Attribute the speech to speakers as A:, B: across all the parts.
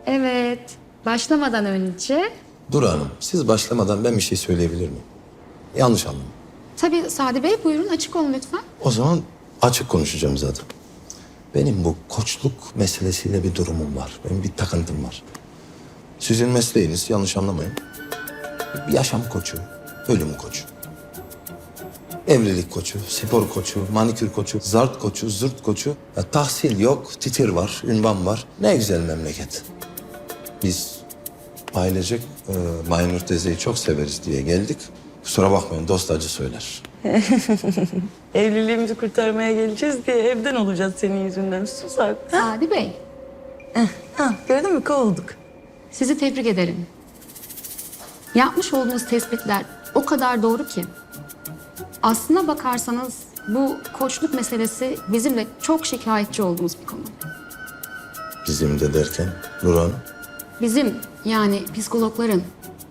A: Evet. Başlamadan önce...
B: Duru Hanım, siz başlamadan ben bir şey söyleyebilir miyim? Yanlış anlamayın.
A: Tabii Sadi Bey, buyurun açık olun lütfen.
B: O zaman açık konuşacağım zaten. Benim bu koçluk meselesiyle bir durumum var. Benim bir takıntım var. Sizin mesleğiniz, yanlış anlamayın. Bir yaşam koçu, ölüm koçu. Evlilik koçu, spor koçu, manikür koçu, zart koçu, zırt koçu. Ya, tahsil yok, titir var, ünvan var. Ne güzel memleket. Biz ailecek Maynur teyzeyi çok severiz diye geldik. Kusura bakmayın, dost acı söyler.
C: Evliliğimizi kurtarmaya geleceğiz diye evden olacağız senin yüzünden. Sus artık.
A: Sadi Bey,
C: Ha, gördün mü kovulduk.
A: sizi tebrik ederim. Yapmış olduğunuz tespitler o kadar doğru ki. Aslına bakarsanız bu koçluk meselesi bizim de çok şikayetçi olduğumuz bir konu.
B: Bizim de derken Nur Hanım.
A: Bizim, yani psikologların.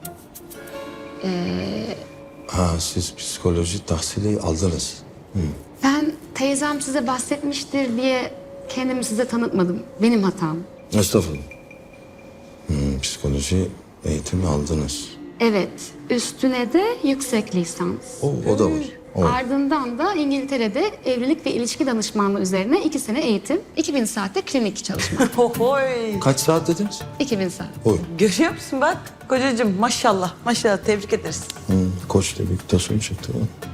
B: Ha, siz psikoloji tahsili aldınız.
A: Ben teyzem size bahsetmiştir diye kendimi size tanıtmadım. Benim hatam.
B: Estağfurullah. Psikoloji eğitimi aldınız.
A: Evet, üstüne de yüksek lisans.
B: O da var. O.
A: Ardından da İngiltere'de evlilik ve ilişki danışmanlığı üzerine 2 sene eğitim, 2000 saatte klinik çalışma.
C: Ohoy.
B: Kaç saat dediniz?
A: 2000 saat.
B: Oy.
C: Görüyor musun bak kocacığım maşallah maşallah tebrik ederiz.
B: Koç dedik, taşın çıktı.